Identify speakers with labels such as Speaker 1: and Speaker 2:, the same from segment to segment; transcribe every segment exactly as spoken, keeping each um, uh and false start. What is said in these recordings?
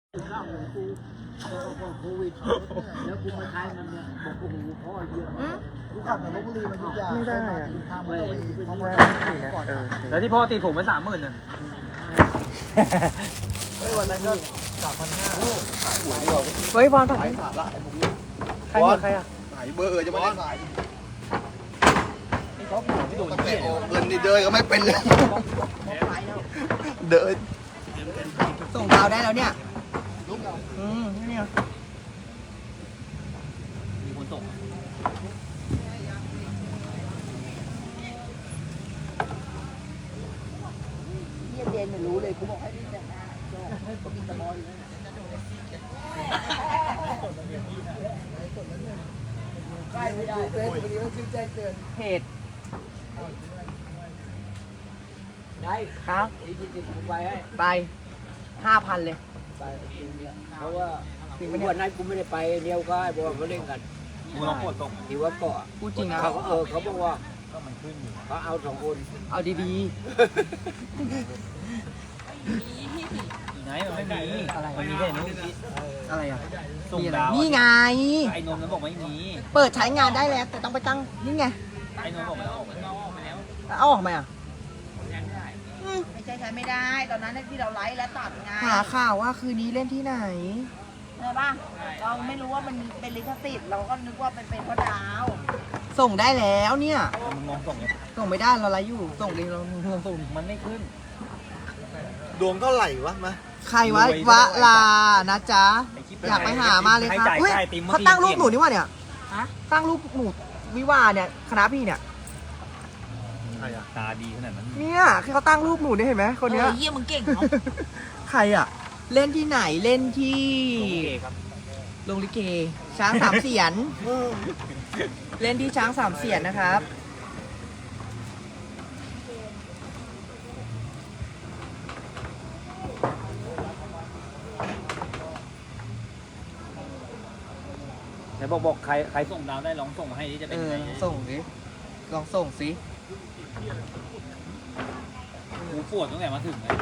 Speaker 1: ข้าวของกูโควิดแล้วกูมาใช้มันเนี่ยบอกโอ้โหพ่อเยอะกูขับจากลพบุรีมายุธยาไม่ได้อะทางไม่เพราะว่าก่อน
Speaker 2: แล้วที่พ่อตีผมไปสามหมื่นน่ะ
Speaker 1: ไอ้วันนั้นก็สามพันห้า
Speaker 2: เฮ้ยบอลถ่าย
Speaker 1: ขาดละไอ้พวกนี้
Speaker 2: ใครใครอ่ะ
Speaker 1: ขายเบอร์จะไม่ได้ขาย
Speaker 2: เขาไม่โดนเกี่ยว
Speaker 1: เงินนี่เดินก็ไม่เป็นเลยเดิน
Speaker 2: ส่งดาวได้แล้วเนี่ยอืมนี่ไงมีคนส่ง
Speaker 1: เยี่ยเดนไม่รู้เลยกูบอกให้ดิ้นแต่หน้าก็มีตะบอยใกล้ไม่ได้เตือนวันนี้ต้องชื่อแจ้งเตือน
Speaker 2: เพจ
Speaker 1: ได้
Speaker 2: ครับ
Speaker 1: อีกทีสิบผมไปให้
Speaker 2: ไปห้าพันเลย
Speaker 1: ไปเพราะว่าวันนั้นกูไม่ได้ไปเดียวก็ไอ้บอลมาเล่นกัน
Speaker 2: กูลองกดส่ง
Speaker 1: ที่ว่าเกาะ
Speaker 2: พูดจริงนะ
Speaker 1: เขาเออเขาบอกว่าก็มันขึ้นอยู่เขาเอาสองคน
Speaker 2: เอาดีๆไหนมันไม่มีอะไรมันมีแค่นู้นอะไรอ่ะส่งดาวนี่ไงไอ้นมนั้นบอกไม่มีเปิดใช้งานได้แล้วแต่ต้องไปตั้งนี่ไงไอ้นมบอกมันเอาออกไปแล้วเอาออกไหมอ่ะ
Speaker 3: ไม่ใช่ใช้ไม่ได้ตอนนั้นที่เราไลฟ์และตัดไง
Speaker 2: หาข่าวว่าคืนนี้เล่นที่ไหน
Speaker 3: ใช่ป่ะเราไม่รู้ว่ามันเป็นลิขสิทธิ์เราก็นึกว่าเป็นเป็นเพราะดาว
Speaker 2: ส่งได้แล้วเนี่ยมันมองส่งเนี่ยส่งไม่ได้เราไลฟ์อยู่ส่งดีเราส่งมันไม่ขึ้น
Speaker 1: ดวงเท่าไหร่วะมา
Speaker 2: ใครวะวะลานะจ๊ะอยากไปหามาเลยครับเขาตั้งรูปหนูนี่วะเนี่ยตั้งรูปหนูวิวาเนี่ยคณะพี่เนี่ย
Speaker 4: ตาดีขนาดนั้น
Speaker 2: เนี่ยคือเขาตั้งรูปหนูเนี่ยเห็นไหมคนเนี้ย
Speaker 3: เยี่ยมึงเก่ง
Speaker 2: ใครอ่ะเล่นที่ไหนเล่นที่โรงลิเกช้างสามเสียนเล่นที่ช้างสามเสียนนะครับ
Speaker 4: ไหนบอกบอกใครใครส่งดาวได้ลองส่งมาให้ดิจะเป็นยังไง
Speaker 2: ส่งดิลองส่งสิ
Speaker 4: หูปวดตั้งแต่มาถึงเลย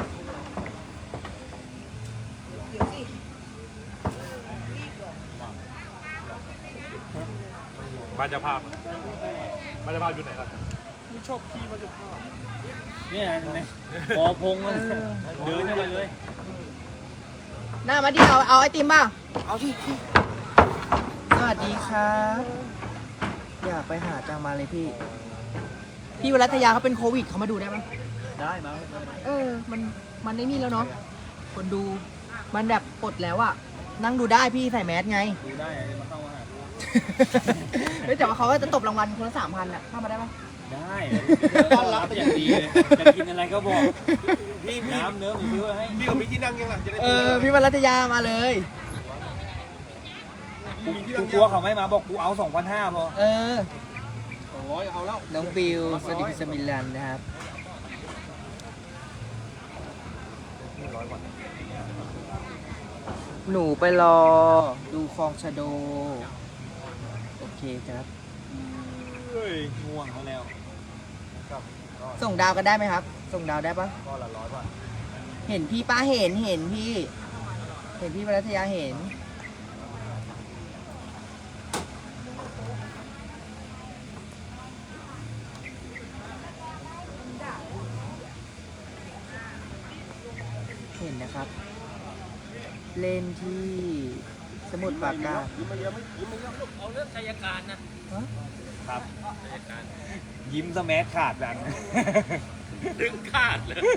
Speaker 5: บ้านเจ้าภาพบ้านเจ้าภาพอยู่ไหนล่ะไม่ชอบขี่บ้านเจ้าภาพ
Speaker 4: เนี่ยนะปอพงมันเดินเข้าไปเลย
Speaker 2: หน้ามาดิเอาเอาไอติมบ้างเอาที่สวัสดีครับอยากไปหาจังมาเลยพี่พี่วรัตยาเขาเป็นโควิดเขามาดูได้ไหม
Speaker 4: ได้มา
Speaker 2: เออมันมันได้นี่แล้วเนาะคนดูมันแบบปลดแล้วอะนั่งดูได้พี่ใส่แมสไง
Speaker 4: ดูได้มาเข้ามา
Speaker 2: แต่ว่าเขาก็จะตบรางวัลคนละสามพันอะเข้ามาได้ไหม
Speaker 4: ได้ต้อนรับอย่างดีเลยจะกินอะไรก็บอกพี่น้ำเนื้อหมูซื้อให้
Speaker 5: พี่กับพี่ที่นั่งยังหลังจะได้
Speaker 2: เออพี่วรัตยามาเลย
Speaker 4: กูกลัวเขาไม่มาบอกกูเอาสองพันห้าพอ
Speaker 2: เออ
Speaker 5: สองร้อยเอาแล้ว
Speaker 2: น้องบิวสวัสดีสมิลันนะครับหนูไปรอดูคลองชะโดโอเคครับ
Speaker 4: เฮ้ยง่วงเขาแล้ว
Speaker 2: ส่งดาวกันได้ไหมครับส่งดาวได้ปะ
Speaker 5: ก็ละร้อยบาท
Speaker 2: เห็นพี่ป้าเห็นเห็นพี่เห็นพี่วรัตยาเห็นเห็นนะครับเล่นที่สมุทรปราการ
Speaker 4: ยิ้มมาเยอะไม่ยิ้มมาเยอะเอาเรื่องชัยการนะครับชัยการยิ้มสแมัขาดดังดึงขาดเลย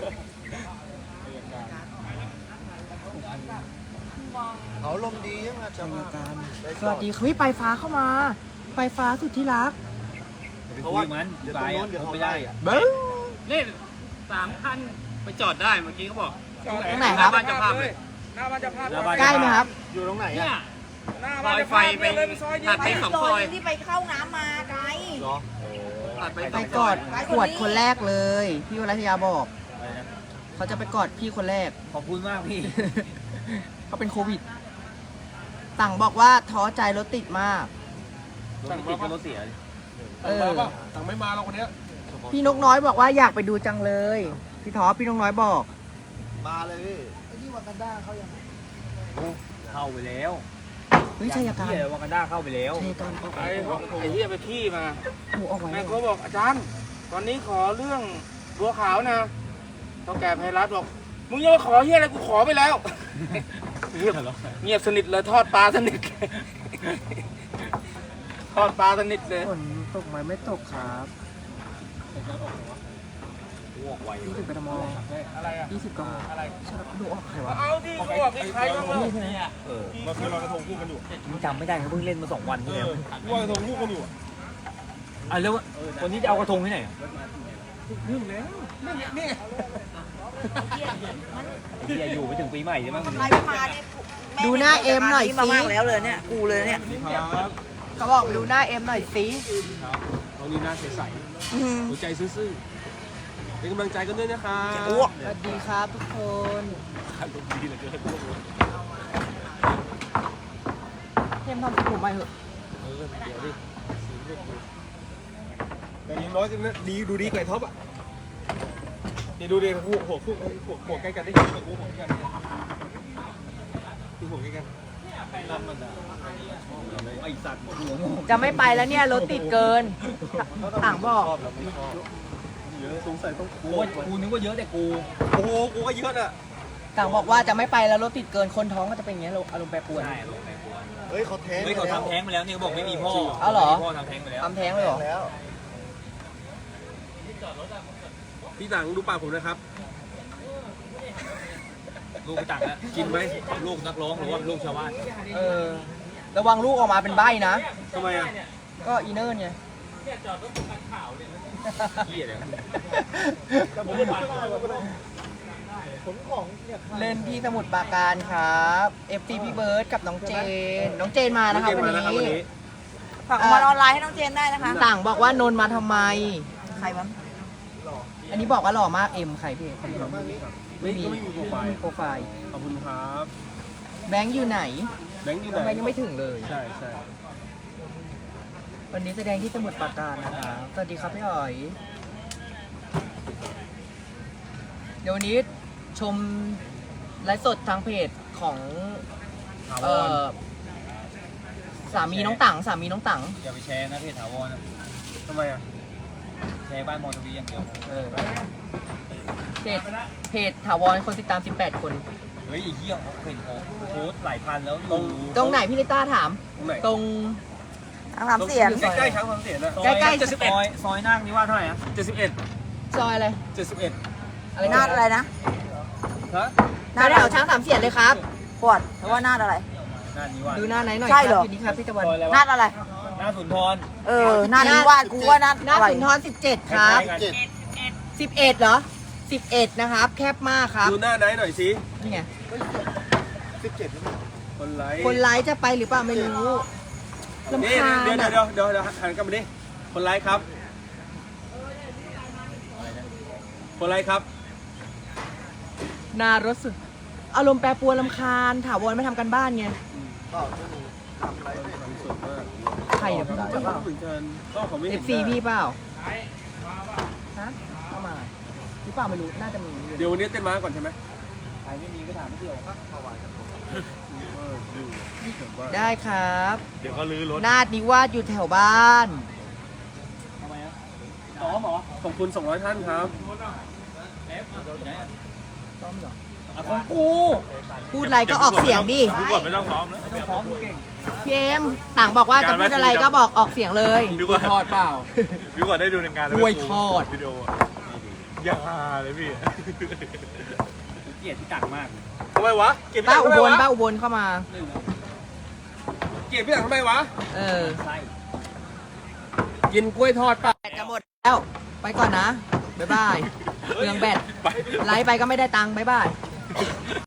Speaker 1: เขาลมดียังไง
Speaker 2: ชัยการสวัสดีเฮ้ยไปฟ้าเข้ามาไปฟ้าสุดที่รัก
Speaker 4: เพราะว่ามันเดี๋ยวตรงโน้นเดี๋ยวเขาไม่ได้
Speaker 2: เบิ้ง
Speaker 4: นี่สามคันไปจอดได้เมื่อกี้เขาบอก
Speaker 2: ตรงไหนครับ
Speaker 4: บ้านเจ้าภาพเลย
Speaker 5: หน้าบ้านเจ้าภาพ
Speaker 2: ใกล้ไหมครับ
Speaker 1: อยู่ตรงไหนอ่ะ
Speaker 5: หน้าบ้านเจ้าภาพไป
Speaker 4: ถัดไปสองซอย
Speaker 3: ที่ไปเข้าน้ำมาไกล
Speaker 2: ไปกอดขวดคนแรกเลยพี่วรัตยาบอกเขาจะไปกอดพี่คนแรก
Speaker 4: ขอบคุณมากพี่
Speaker 2: เขาเป็นโควิดสั่งบอกว่าท้อใจรถติดมาก
Speaker 4: สั่งติดก็รถเสีย
Speaker 5: เออสั่งไม่มาเราคนนี้
Speaker 2: พี่นกน้อยบอกว่าอยากไปดูจังเลยพี่ท้อพี่นกน้อยบอก
Speaker 1: มาเลยไอ้ที่วากันด้าเขายัง
Speaker 4: เข้าไปแล้ว
Speaker 2: เฮ้ยชัยการ
Speaker 4: เฮียวากันด้าเข้าไปแล้ว
Speaker 2: ชัยการออก
Speaker 5: ไอ้ไอ้เหี้ยไปขี้มา
Speaker 2: หมูออกไว้
Speaker 5: แม่เขาบอกอาจารย์ ตอนนี้ขอเรื่องบัวขาวนะเท่าแก่ไพรัตบอกมึงยังมาขอเหี้ยอะไรกูขอไปแล้ว เงียบเงียบสนิทเลยทอดปลาสนิท ทอดปลาสนิทเลย
Speaker 2: ฝนตกไหมไม่ตกครับ
Speaker 4: อ้วกไว
Speaker 2: ยี่สิบกม
Speaker 5: อะไรอ่ะ
Speaker 2: ยี่สิบกม
Speaker 5: อะไร
Speaker 2: ดูออกใครวะ
Speaker 5: เอาที่กูบอกที่ใครบ้าง
Speaker 2: นี่ใช่ไหม
Speaker 4: เออ
Speaker 5: มาคือลอยกระทงคู่กันอยู่
Speaker 4: มึงจำไม่ได้เขาเพิ่งเล่นมาสองวันที่แล้ว
Speaker 5: ลอยกระทงคู่กันอยู่
Speaker 4: อ่ะแล้ววันนี้จะเอากระทงที่ไหนอ่ะเฮียอยู่ไปถึงปีใหม่ใช่ไหม
Speaker 3: ใครไม่มาเนี่ย
Speaker 2: ดูหน้าเอ็มหน่อย
Speaker 3: มา
Speaker 2: สิ
Speaker 3: มากแล้วเลยเนี่ยกูเลยเนี่ย
Speaker 5: ครับ
Speaker 2: เขาบอกดูหน้าเอ็มหน่อยสิ
Speaker 5: ตรงนี้หน้าใสๆหัวใจซื่อๆเป็นกำลังใจกันด้วยนะคะ
Speaker 2: สวัสดีครับทุกคน
Speaker 5: อารมณ์ดีเหลือเกิน
Speaker 2: เอ็มทำผมไปเหอะ
Speaker 5: เออเดี๋ยวดิแต่อยังน้อยก็ดีดูดีกว่าไอ้ท็อปอ่ะนี่ดูดิหัวหัวหัวหัวหัวใกล้กันได้หัวหัวหัวใกล้กันดูหัวใกล้กัน
Speaker 4: ไอสัตว์หัว
Speaker 2: จะไม่ไปแล้วเนี่ยรถติดเกินต่างบอก
Speaker 5: เยอะสงสัยต้อง
Speaker 4: กูว่ากูนึกว่าเยอะแต่กู
Speaker 5: โอ้โหกูก็เยอะอ่ะ
Speaker 2: ต่างบอกว่าจะไม่ไปแล้วรถติดเกินคนท้องก็จะเป็นอย่างเงี้ยอารมณ์แปรปรวน
Speaker 4: ใช่
Speaker 1: เฮ้ยเขาแท้ง
Speaker 4: เฮ้ยเขาทำแท้งไปแล้วนี่เขาบอกไม่มีพ่อ
Speaker 2: เอาเหรอ
Speaker 4: พ่อทำแท้งไปแล้ว
Speaker 2: ทำแท้งเลยเหรอ
Speaker 1: แล้ว
Speaker 5: พี่หนังดูปากผมนะครับ
Speaker 4: ลูกไปตักแล้วกินไหมลูกนักร้องหรือว่าลูกชาวบ้าน
Speaker 2: เออระวังลูกออกมาเป็นใบ้นะ
Speaker 5: ทำไมอ่ะ
Speaker 2: ก็อีเนิร์ไง
Speaker 4: เฮียเลย
Speaker 1: ผมของเนี่ย
Speaker 2: เล่นที่สมุทรปราการครับ เอฟ ซี พี่เบิร์ดกับน้องเจน น้องเจนมานะคะวันนี้
Speaker 3: ฝากมาออนไลน์ให้น้องเจนได้นะคะ
Speaker 2: ต่างบอกว่านนท์มาทำไม
Speaker 3: ใครมั้ง
Speaker 2: อันนี้บอกว่าหล่อมากเอ็มใครพี่ไม่มี
Speaker 5: ก็ไม่มีโปรไฟล์
Speaker 2: โปรไฟล์
Speaker 5: ขอบคุณครับ
Speaker 2: แบงค์อยู่ไหน
Speaker 5: แบงค์อยู่ไหน
Speaker 2: ทำไมยังไม่ถึงเลย
Speaker 5: ใช่ใช่
Speaker 2: วันนี้แสดงที่สมุทรปราการนะคะสวัสดีครับพี่อ๋อย เดี๋ยววันนี้ชมไลฟ์สดทางเพจของเอ่อสามีน้องตังสามีน้องตัง
Speaker 4: อย่าไปแชร์นะเพจถาวรนะ
Speaker 5: ทำไมอ่ะ
Speaker 4: แชร์บ้านมอทวีอย่างเดียว
Speaker 2: เออเพจเพจถาวรคนติดตามสิบแปดคน
Speaker 4: เฮ้ยไอ้เหี้ยเขาเห็นเขาโพสต์หลายพันแล้วอยู่
Speaker 2: ตรงไหนพี่ลิต้าถาม
Speaker 5: ตรงไหน
Speaker 2: ตรง
Speaker 3: ทางสามเสียง
Speaker 5: ใกล้ๆช้างความเสียนะ
Speaker 4: ซอย
Speaker 2: ใกล้ๆ
Speaker 4: เจ็ดสิบเอ็ดซอยซอยนั่งนี่ว่าเท่าไหร่อะ
Speaker 5: เจ็ดสิบเอ็ด
Speaker 2: ซอยอะไร
Speaker 5: เจ็ดสิบเอ็ด
Speaker 2: อะไร
Speaker 3: นาดอะไรนะ
Speaker 5: ฮะ
Speaker 2: หน้าแถวช้างสามเสียนเลยครับ
Speaker 3: ปวดเพราะว่านาดอะไร
Speaker 4: หน้านี้ว่า
Speaker 2: ดูหน้าไหนหน่อย
Speaker 3: ใช่
Speaker 2: ค
Speaker 3: เหร
Speaker 2: รั
Speaker 3: อ
Speaker 2: บอยู่นี่ครับพี่ตะวัน
Speaker 4: ซอยอะไร
Speaker 3: นาว
Speaker 4: ะ
Speaker 3: ดอะไร
Speaker 4: หน้าสุนทร
Speaker 3: เออนาดนี้วาดกูว่านาด
Speaker 2: หน้า
Speaker 3: อะไร
Speaker 2: สุนทรสิบเจ็ดครับ
Speaker 4: ใกล้ๆกัน
Speaker 1: เจ็ด
Speaker 2: สิบเอ็ดเหรอสิบเอ็ดนะครับ แคบมากครับ
Speaker 5: ดูหน้าไหนหน่อยสิ
Speaker 2: นี่ไง
Speaker 1: สิบเจ็ดแล้วมั้ง
Speaker 5: คนไลค์
Speaker 2: คนไลฟ์จะไปหรือเปล่าไม่รู้ลำ
Speaker 5: นี่
Speaker 2: คาญ
Speaker 5: เดี๋ยว
Speaker 2: อะ
Speaker 5: เดี๋ยวเดี๋ยวเดี๋ยวหันกลับมาดิคนไลค์ครับ คนไลค์ครับ
Speaker 2: นารถสุด อารมณ์แปรปรวนลำคาญถาวรไม่ทำกันบ้านไง
Speaker 1: ก็ไม่มีทำอะไรไม่
Speaker 5: สดมาก
Speaker 2: ใครเนี่ยพี่รู้จักเปล่า
Speaker 5: เหมือนกันก็เขาไม่
Speaker 2: เอ
Speaker 5: เห็น
Speaker 2: ฟซีพี่เปล่าฮะเข้ามาหรือเปล่าไม่รู้น่าจะมี
Speaker 5: เดี๋ยววันนี้เต้นม้าก่อนใช่ไหม
Speaker 4: ใครไม่มีก็ถามไม่เกี่ยวครับ
Speaker 2: ได้ครับ
Speaker 5: เดี๋ยวเขาลื้อรถ
Speaker 2: นาดนิวาสอยู่แถวบ้าน
Speaker 4: ทำไมอะซ้อมเหรอ
Speaker 5: ขอบคุณสองร้อยท่านครับ
Speaker 2: ซ้อมเหรอ
Speaker 4: อ่ะของกู
Speaker 2: พูดอะไรก็ออกเสียงดิ
Speaker 5: ดูก่อนไม่ต้องซ้อมนะ
Speaker 4: ต้องซ้อมกูเก่ง
Speaker 2: พี่เอ็มต่างบอกว่าจะพูดอะไรก็บอกออกเสียงเลย
Speaker 5: ดูก่อน
Speaker 4: ทอดเปล่า
Speaker 5: ดูก่อนได้ดูในงาน
Speaker 2: กล้วยทอด
Speaker 5: วิดีโออย่าเลยพี่
Speaker 4: กูเกลียดที่ตังมาก
Speaker 5: ทำไมวะ เก็บพี่
Speaker 2: ป้า
Speaker 5: ตัง
Speaker 2: อุ
Speaker 5: ทำไม
Speaker 2: บล
Speaker 5: วะ
Speaker 2: ป้าอุบลเข้ามา
Speaker 5: เก็บพี่ตังทำไมวะ
Speaker 2: เออ
Speaker 4: ไส้
Speaker 5: กินกล้วยทอดป่ะ
Speaker 2: แบตจะหมดแล้ว ไปก่อนนะ บ๊ายบายเรื่องแบต
Speaker 5: ไป
Speaker 2: ไลฟ์ไปก็ไม่ได้ตังค์บ๊ายบาย